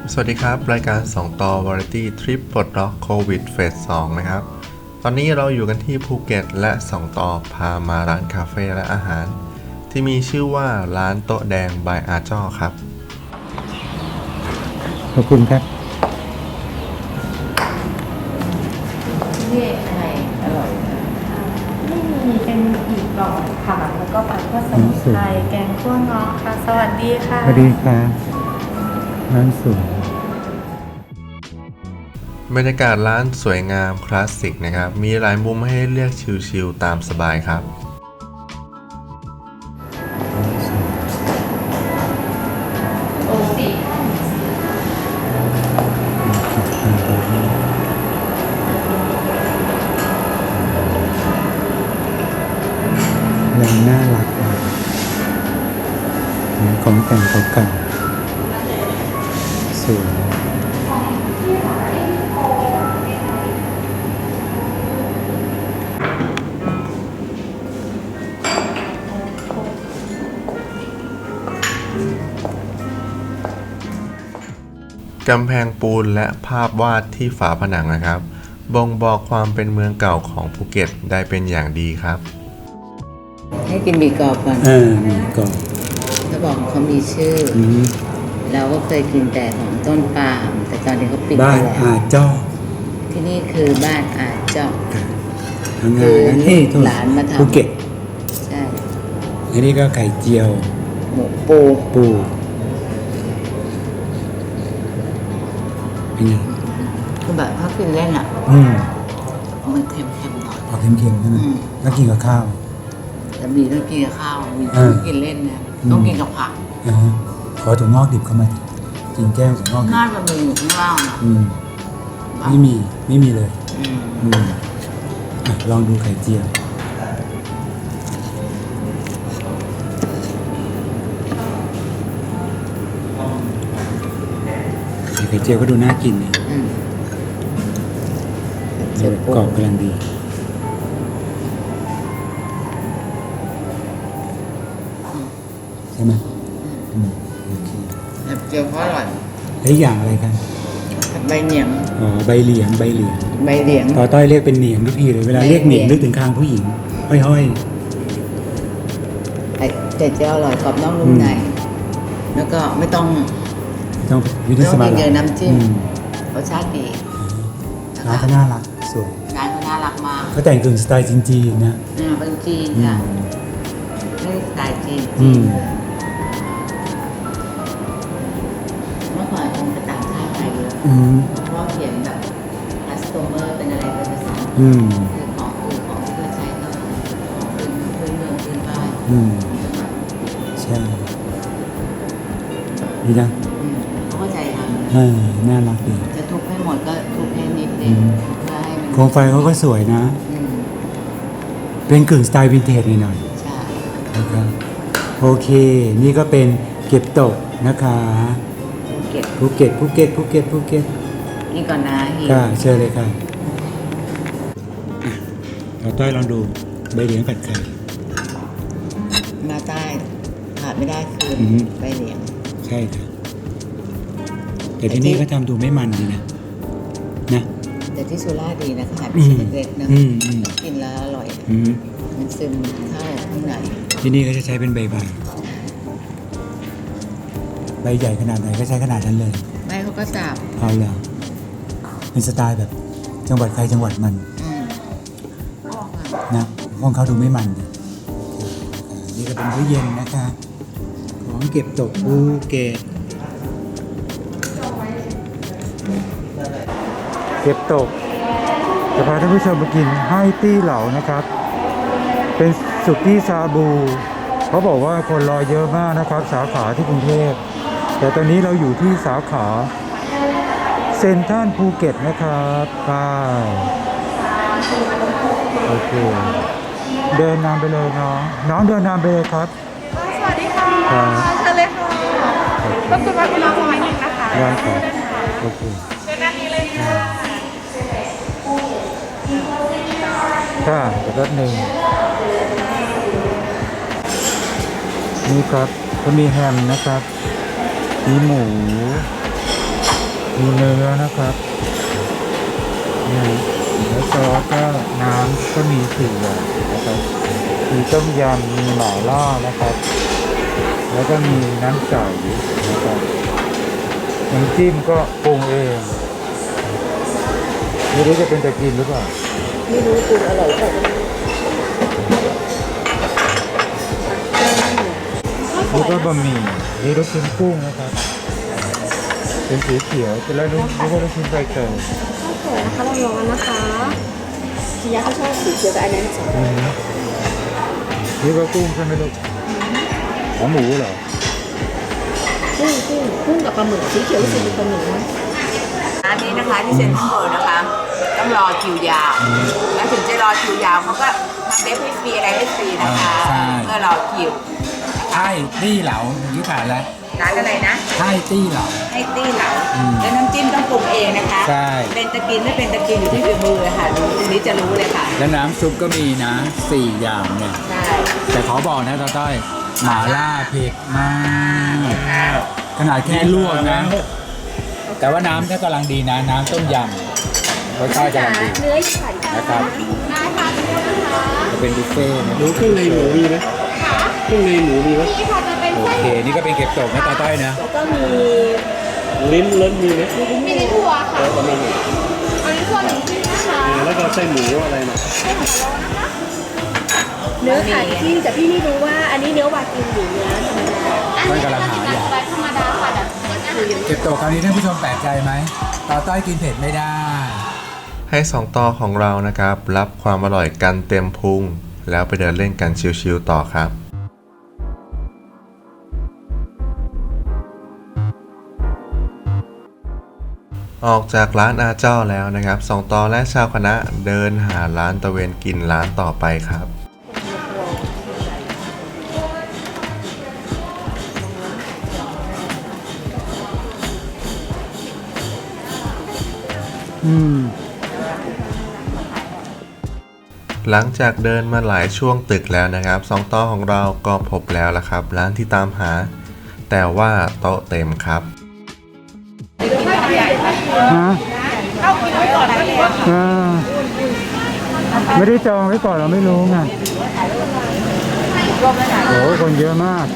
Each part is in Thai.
สวัสดีครับรายการ2ต่อ Variety Trip ปลดล็อกโควิดเฟส 2นะครับตอนนี้เราอยู่กันที่ภูเก็ตและ2ต่อพามาร้านคาเฟ่และอาหารที่มีชื่อว่าร้านโต๊ะแดงบายอาจ้อครับขอบคุณครับนี่อะไรอร่อยไม่มีเป็นอีกกล่องค่ะแล้วก็ผัดข้าวสมุนไพรแกงคั่วเงาะค่ะสวัสดีค่ะสวัสดีครับร้านสวยบรรยากาศร้านสวยงามคลาสสิกนะครับมีหลายมุมให้เลือกชิลๆตามสบายครับโอ้สิร้านน่ารักของแต่งเก่าๆสวยกำแพงปูนและภาพวาดที่ฝาผนังนะครับบ่งบอกความเป็นเมืองเก่าของภูเก็ตได้เป็นอย่างดีครับให้กินหมี่กรอบก่อนมีกรอบเขาบอกเขามีชื่อเราก็เคยกินแต่ของต้นปาล์มแต่ตอนนี้เขาปิดบ้านอาจ้อที่นี่คือบ้านอาจ้อคือหลานมาทำภูเก็ตใช่อันนี้ก็ไข่เจียวหมูปูเป็นไงคือแบบเขากินเล่นอ่ะมันเค็มๆหน่อยออกเค็มๆใช่ไหมแล้วกินกับข้าวแต่มีต้องกินกับข้าวมีต้องกินเล่นนะต้องกินกับผักขอถั่วงอกดิบเข้ามากินแก้วถั่วงอกน่าจะมีอยู่ข้างล่างนะไม่มีเลยลองดูไข่เจียวไข่เจียวก็ดูน่ากินนะกรอบกำลังดีใช่ไหมโอเคไข่เจียวก็อร่อยแล้วอย่างอะไรกันใบเหนียงใบเหลียงต่อต้อยเรียกเป็นเหนียงทุกทีเลยเวลาเรียกเหนียงนึกถึงคางผู้หญิงห้อยไข่เจียวอร่อยกรอบนอกนุ่มในแล้วก็ไม่ต้องวิธีสมัครเยอะน้ำจิ้มรสชาติดีร้านก็น่ารักสวยร้านก็น่ารักมากเขาแต่งกึ่งสไตล์จีนนะเป็นจีนค่ะนี่สไตล์จีนเมื่อก่อนคงจะต่างชาติไปเยอะเพราะเขียนแบบคัสโตเมอร์เป็นอะไรเป็นภาษาคือของที่เขาใช้ก็ของพื้นเมืองพื้นบ้านใช่ดีนะเขาเข้าใจทำน่ารักดีจะทุบให้หมดก็ทุบให้นิดนึงเพื่อให้มันโคมไฟเขาก็สวยนะเป็นกึ่งสไตล์วินเทจหน่อยใช่นะครับโอเคนี่ก็เป็นเก็บตกนะคะภูเก็ตนี่ก่อนนะค่ะเชิญเลยค่ะเราต้อยลองดูใบเหลียงผัดไข่มาใต้ขาดไม่ได้คือใบเหลียงใช่ค่ะแต่ที่นี่เขาทำดูไม่มันดีนะแต่ที่สุราษฎร์ดีนะขนาดเป็นเล็กๆนะกินแล้วอร่อยมันซึมเข้าข้างในที่นี่เขาจะใช้เป็นใบใหญ่ขนาดไหนก็ใช้ขนาดนั้นเลยไม่เขาก็สับเอาเลยเป็นสไตล์แบบจังหวัดใครจังหวัดมันนะของเขาดูไม่มันเลยนี่ก็เป็นตู้เย็นนะคะของเก็บตกภูเก็ตเก็บตกจะพาท่านผู้ชมมากินไฮตี้เหลานะครับเป็นสุกี้ชาบูเขาบอกว่าคนรอเยอะมากนะครับสาขาที่กรุงเทพแต่ตอนนี้เราอยู่ที่สาขาเซ็นทรัลภูเก็ตนะครับโอเคเดินนำไปเลยน้องเดินนำไปเลยครับสวัสดีค่ะเชิญเลยค่ะรบกวนว่าคุณน้องสมัยหนึ่งนะคะได้ครับโอเคเชิญด้านนี้เลยค่ะแต่ก็หนึ่งนี่ครับก็มีแฮมนะครับมีหมูมีเนื้อนะครับเนี่ยแล้วซอสก็น้ำก็มี4อย่างนะครับมีต้มยำมีหม่าล่านะครับ แล้วก็มีน้ำใสนะครับน้ำจิ้มก็ปรุงเองไม่รู้จะเป็นตะกินหรือเปล่าไม่รู้ปรุงอร่อยเปล่านี่ก็บะหมี่นี่ลูกชิ้นกุ้งนะครับ เป็นสีเขียวแต่แล้วนี่ก็ลูกชิ้นใบเตยข้าวร้อนนะคะชียาเขาชอบสีเขียวกับอันนั้นสองนี่ก็กุ้งใช่ไหมลูกหมูเหรอกุ้งกับปลาหมึกสีเขียวรู้สึกเป็นปลาหมึกนะร้านนี้นะคะที่เซ็นทรัลเวิลด์นะคะ ต้องรอคิวยาว แล้วถึงจะรอคิวยาวเขาก็ทำเดฟให้ฟรีอะไรให้ฟรีนะคะใช่เมื่อรอคิวใช่ตี้เหลาอย่างที่ผ่านแล้วร้านอะไรนะใช่ตี้เหลาให้ตี้เหลาแล้วน้ำจิ้มต้องปรุงเองนะคะใช่เป็นตะกินไม่เป็นตะกินอยู่ที่ฝีมือเลยค่ะดูตรงนี้จะรู้เลยค่ะแล้วน้ำซุปก็มีนะ4อย่างเนี่ยใช่แต่ขอบอกนะตาต้อยหม่าล่าเผ็ดมากขนาดแค่ลวกนะ แต่ว่าน้ำก็กำลังดีนะ น้ำต้มยำรสชาติกำลังดีเนื้อไข่นะครับได้ค่ะเนื้อนะคะจะเป็นบุฟเฟ่ต์นะหมูเครื่องในหมูมีไหมเครื่องในหมูมีไหมนี่ค่ะจะเป็นโอไส้เค นี่ก็เป็นเก็บตกนะตาต้อยนะแล้วก็มีลิ้นล้นมีไหมมีในถั่วค่ะประมาณนี้อันนี้ถั่วหนึ่งที่นะคะแล้วก็ไส้หมูอะไรนะเนื้อไข่ที่แต่พี่ไม่รู้ว่าอันนี้เนื้อวากิวหรือเนื้อธรรมดาต้อยกำลังหาอยู่สไลด์ธรรมดาค่ะแบบคืออย่างเก็บตกคราวนี้ท่านผู้ชมแปลกใจไหมตาต้อยกินเผ็ดไม่ได้ให้สองต่อของเรานะครับ รับความอร่อยกันเต็มพุง แล้วไปเดินเล่นกันชิลๆต่อครับ ออกจากร้านอาเจ้าแล้วนะครับสองต่อและชาวคณะเดินหาร้านตะเวนกินร้านต่อไปครับ หลังจากเดินมาหลายช่วงตึกแล้วนะครับสองต่อของเราก็พบแล้วละครับ ร้านที่ตามหา แต่ว่าโต๊ะเต็มครับฮะไม่ได้จองไว้ก่อนเราไม่รู้ไงโอ้คนเยอะมาก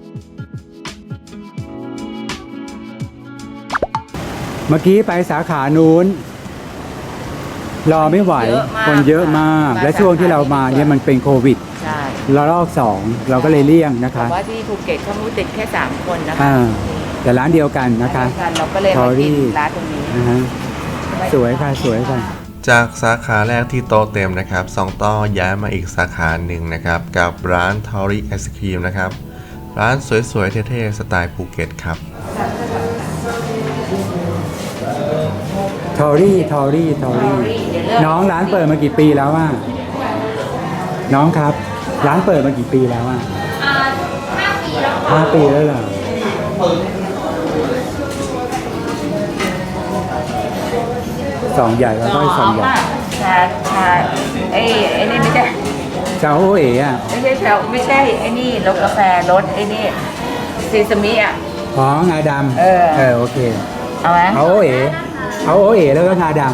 เมื่อกี้ไปสาขานู้น รอไม่ไหว คนเยอะมาก และช่วงที่เรามาเนี่ยมันเป็นโควิดใช่ระลอก2เราก็เลยเลี่ยงนะคะแต่ว่าที่ภูเก็ตเขามูติดแค่3คนนะคะแต่ร้านเดียวกันนะคะเราก็เลยมากินร้านตรงนี้นะฮะสวยค่ะสวยค่ะจากสาขาแรกที่โต๊ะเต็มนะครับสองต่อย้ายมาอีกสาขาหนึ่งนะครับ กับร้านทอรี่ไอศครีมนะครับ ร้านสวยๆเท่ๆสไตล์ภูเก็ตครับทอรี่น้องร้านเปิดมากี่ปีแล้วอ่ะน้องครับ ร้านเปิดมากี่ปีแล้วอ่ะ5 ปีแล้วเหรอสองใหญ่แล้วก็สองใหญ่ชาไอ้นี่ไม่ใช่ชาโอเอ๋อ่ะไม่ใช่ไอ้นี่รสกาแฟรสไอ้นี่ซีซามิอ่ะอ๋องาดำโอเคเอาไหมเอาโอเอ๋แล้วก็งาด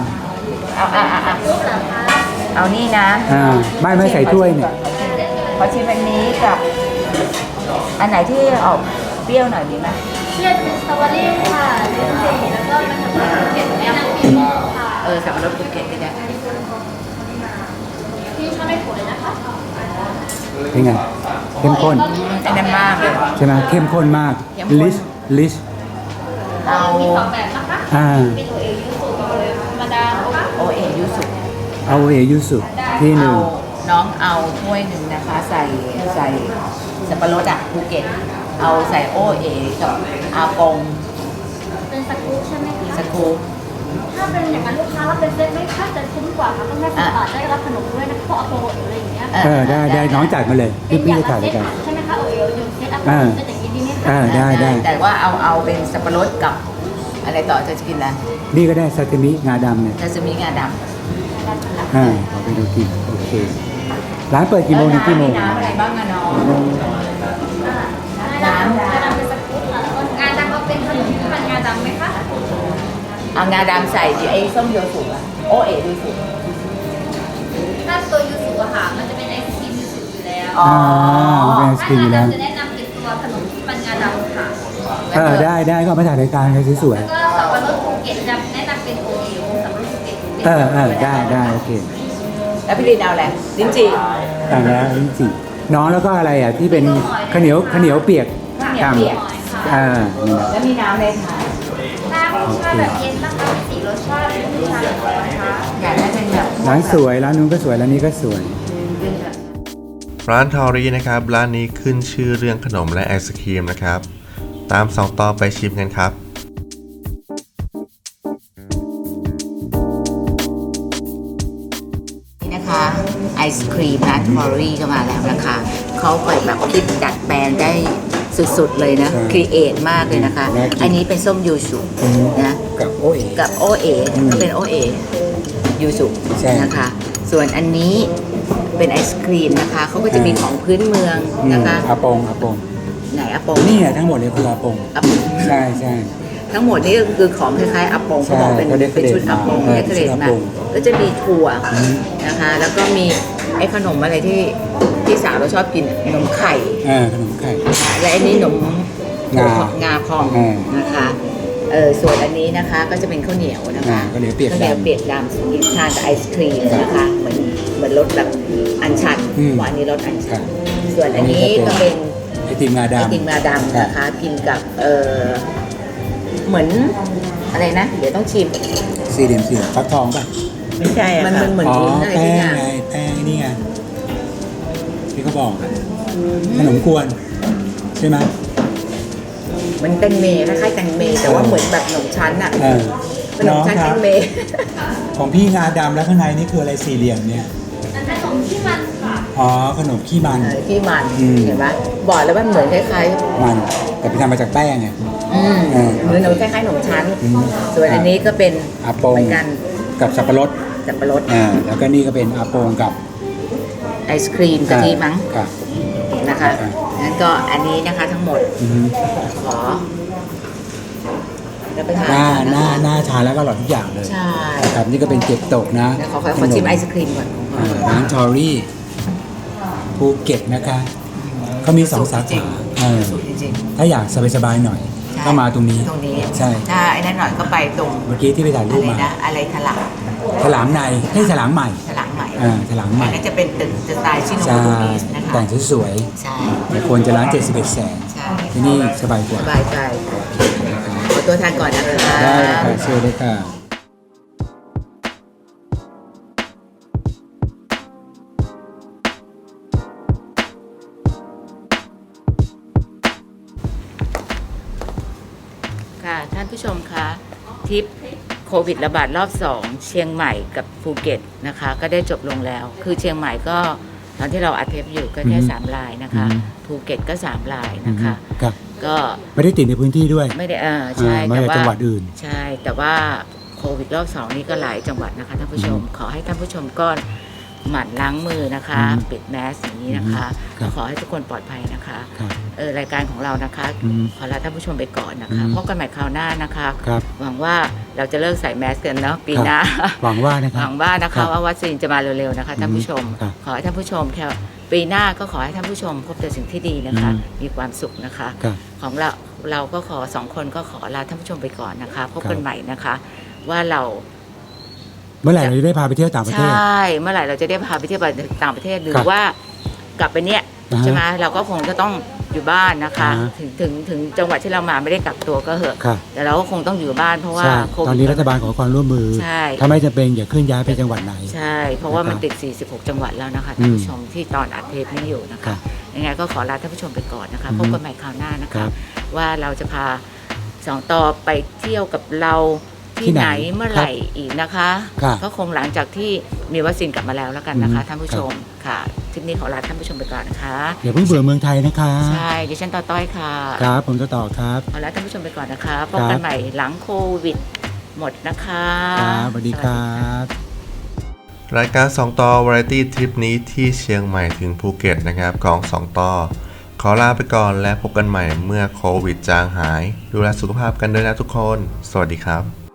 เอานี่นะำไม่ใส่ถ้วยเนี่ยขอชิมอันนี้กับ อันไหนที่ออกเปรี้ยวหน่อยดีไหมเชื่อเป็นสตรอเบอรี่ค่ะแล้วก็มันทำให้เก็บแม่น้ำปีค่ะสับปะรดภูเก็ตเนี่ยพี่ชอบไม่ผลเลยนะคะเป็นไงเข้มข้นไอ้นั่นมากเลยใช่ไหมเข้มข้นมากเข้มข้นลิชเอามี2แบบนะคะ เป็นตัวเองยูสุธรรมดานะคะโอเอยูสุเอาเอยูสุที่หนึ่งน้องเอาถ้วยหนึ่งนะคะ ใส่สับปะรดภูเก็ต เอาใส่โอเอกับอาปงเป็นสกู๊ปใช่ไหมคะสกู๊ปถ้าเป็นอย่างนั้นลูกค้ารับเป็นเซตไม่ค่าจะคุ้มกว่าค่ะต้องได้10 บาทได้รับขนมด้วยนะเพราะเอาโปรหรืออะไรอย่างเงี้ยได้น้องจัดมาเลยเป็นพี่อย่างจะละถ่ายเซด้วยตกันใช่ไหมคะโอเอลยูเซตอัพเซตอย่างนี้ดีไหมคะได้แต่ว่าเอาเป็นสับปะรดกับอะไรต่อจะกินอะไรนี่ก็ได้ซาซิมิงาดำเนี่ยจะจะมีงาดำขอไปดูกินโอเค ร้านเปิดกี่โมงถึงกี่โมงน้ำอะไรบ้างอะน้องน้ำงาดำเป็นสกู๊ปค่ะแล้วก็งาดำก็เป็นขนมที่มันงาดำไหมคะเอางาดำใส่ไอ้ส้มโยสุอะโอเอ๋ดูสุถ้าตัวยูสุอะค่ะมันจะเป็นไอศครีมยูสุอยู่แล้วอ๋อเป็นไอศกรีมอยู่แล้วถ้าจะแนะนำเป็นตัวขนมที่มันงาดำค่ะได้ก็มาถ่ายรายการกันสวยแล้วก็สับปะรดภูเก็ตจะแนะนำเป็นโอเอ๋วสับปะรดภูเก็ตได้โอเคแล้วพี่ลินเอาอะไรลิ้นจี่ต่างแล้วลิ้นจี่น้องแล้วก็อะไรอ่ะที่เป็นข้าวเหนียวเปียกข้าวเหนียวเปียกนี่นะแล้วมีน้ำอะไรคะน้ำชาแบบเย็นนะคะมี4รสชาติเป็นชาแบบร้อนนะคะอยากได้เป็นแบบร้านสวยร้านนู้นก็สวยร้านนี้ก็สวยเป็นแบบร้านทอรี่นะครับร้านนี้ขึ้นชื่อเรื่องขนมและไอศครีมนะครับ ตาม2ต่อไปชิมกันครับนี่นะคะไอศครีมร้านทอรี่ก็มาแล้วนะคะเขาเปิดแบบคิดดัดแปลงได้สุดๆเลยนะใช่ครีเอทมากเลยนะคะน่ากินอันนี้เป็นส้มยูสุนะกับโอเอ๋กับโอเออืมก็เป็นโอเอยูสุใช่นะคะ ส่วนอันนี้เป็นไอศครีมนะคะเขาก็จะมีของพื้นเมืองนะคะอาปงไหนอาปงนี่ไงทั้งหมดเลยคืออาปงอาปงใช่ทั้งหมดนี่ก็คือของคล้ายๆอาปงเขาบอกเป็นใช่เขาเรียกเป็นชุดอาปงเออเรียกเกรดชุดอามาปงก็จะมีถั่วอืมนะคะ แล้วก็มีไอ้ขนมอะไรที่สาวเราชอบกินขนมไข่ขนมไข่และอันนี้ขนมงาพองอืมนะคะส่วนอันนี้นะคะก็จะเป็นข้าวเหนียวนะคะข้าวเหนียวเปียกดำข้าวเหนียวเปียกดำกินทานกับไอศครีมนะคะเหมือนรสแบบอัญชันอืมว่าอันนี้รสอัญชันครับส่วนอันนี้ก็เป็นไอติมงาไอดำติมงาดำนะคะกินกับเหมือนอะไรนะ เดี๋ยวต้องชิมสี่เหลี่ยมฟักทองป่ะไม่ใช่อะมันเหมือนอ๋อวุ้นอะไรแป้ที่งอย่างไงแป้งนี่ไงที่เขาบอกอะขนมกวนใช่ไหมมันแตงเมคล้ายๆแตงเมแต่ว่าเหมือนแบบขนมชั้นอะ ขนน้มองชั้นคแตรับงเมของพี่งาดำแล้วข้างในนี่คืออะไรสี่เหลี่ยมเนี่ยขนมที่มันค่ะอ๋อขนมขี้มันที่มันอืมเห็นไหมบอกแล้วว่าเหมือนคล้ายมันแต่ไปทำมาจากแป้งไงๆอืมเออเหมือนขนมคล้ายๆขนมชั้นอืมส่วนอันนี้ก็เป็นอาปงเหมือนกันกับสับปะรดสับปะรดแล้วก็นี่ก็เป็นอาปงกับไอศครีมกะทิมั้งกับนะคะอ่างั้นก็อันนี้นะคะทั้งหมดอือฮึขอรับประทานหน้าทานแล้วก็อร่อยทุกอย่างเลยใช่ครับนี่ก็เป็นเก็บตกนะเดี๋ยวขอชิมไอศครีมก่อนของเขาร้านทอรี่ภูเก็ตนะคะเขามี2 สาจริขางสูตรจริงถ้าอยากสบายๆหน่อยๆก็มาตรงนี้ตรงนี้ใช่ถ้าไอ้นั่นหน่อยก็ไปตรงเมื่อกี้ที่ไปถ่ายรูอะปไรมานะอะไรถลักถลางในให้ถลางใหม่ถลังใหม่ถลางใหม่อันนั้นจะเป็นตึกสไตล์ชิโนใช่โมโตมิสนะคะแต่งสวยใช่ๆแต่ควรจะร้าน71 แสนใช่ที่นี่สบายกว่าสบายใจขอตัวทานก่อนนะคะได้เลยค่ะเชิญเลยค่ะค่ะท่านผู้ชมคะทริปโควิดระบาดรอบ 2 เชียงใหม่กับภูเก็ตนะคะ ก็ได้จบลงแล้ว คือเชียงใหม่ก็ตอนที่เราอัดเทปอยู่ก็แค่อือฮึ 3 รายนะคะอือฮึภูเก็ตก็ 3 รายนะคะครับก็ไม่ได้ติดในพื้นที่ด้วยไม่ได้ใช่ไม่แต่ได้ว่าจังหวัดอื่นใช่แต่ว่าโควิดรอบ 2 นี้ก็หลายจังหวัดนะคะท่านผู้ชม ขอให้ท่านผู้ชมก็หมั่นล้างมือนะคะอืมปิดแมสอย่างนี้นะคะครับขอให้ทุกคนปลอดภัยนะคะครับรายการของเรานะคะอืมขอลาท่านผู้ชมไปก่อนนะคะอืมพบกันใหม่คราวหน้านะคะครับหวังว่าเราจะเลิกใส่แมสกันเนาะปีหน้าหวังว่านะคหรับวังว่านะครัคะบว่าวัคซีนจะมาเร็วๆนะคะท่านผู้ชมครับขอให้ท่านผู้ชมแค่ปีหน้าก็ขอให้ท่านผู้ชมพบแต่สิ่งที่ดีนะคะอืมมีความสุขนะคะครับของเราก็ขอ2 คนก็ขอลาท่านผู้ชมไปก่อนนะคะ พบครักันบใหม่นะคะ ว่าเราเมื่อไหร่เราจะได้พาไปเที่ยวต่างประใชเทศ่เมื่อไหร่เราจะได้พาไปเที่ยวต่างประเทศหรืครัอบ ว่ากลับไปเนี่ยอ่าฮะใช่ไหมเราก็คงจะต้องอยู่บ้านนะคะอ่าฮะถึงจังหวัดที่เรามาไม่ได้กักตัวก็เหอะครับแต่เราก็คงต้องอยู่บ้านเพราะว่าใช่โควิดตอนนี้รัฐบาลขอความร่วมมือใช่ถ้าไม่จำเป็นอย่าเคลื่อนย้ายไปจังหวัดไหนใช่ เพราะว่ามันนะครับติด 46 จังหวัดแล้วนะคะท่านผู้ชมที่ตอนอัดเทปนี้อยู่นะครัคะบยังไงก็ขอลาท่านผู้ชมไปก่อนนะคะอือฮึพบกันใหม่คราวหน้านะครัคะบว่าเราจะพา2 ต่อไปเที่ยวกับเราที่ไหนเมื่อไหร่อีกนะคะครับก็คงหลังจากที่มีวัคซีนกลับมาแล้วแล้วกันนะคะอืมท่านผู้ชมค่ะทริปนี้ขอลาท่านผู้ชมไปก่อนนะคะอย่าเพิ่งเบื่อเมืองไทยนะคะใช่ดิฉันต่อต้อยค่ะครับ ผมจะต่อครับขอลาท่านผู้ชมไปก่อนนะคะพบกันใหม่หลังโควิดหมดนะคะครับสวัสดีครับรายการ2ต่อ Variety ทริปนี้ที่เชียงใหม่ถึงภูเก็ตนะครับของ2ต่อ ขอลาไปก่อนและพบกันใหม่เมื่อโควิดจางหาย ดูแลสุขภาพกันด้วยนะทุกคน สวัสดีครับ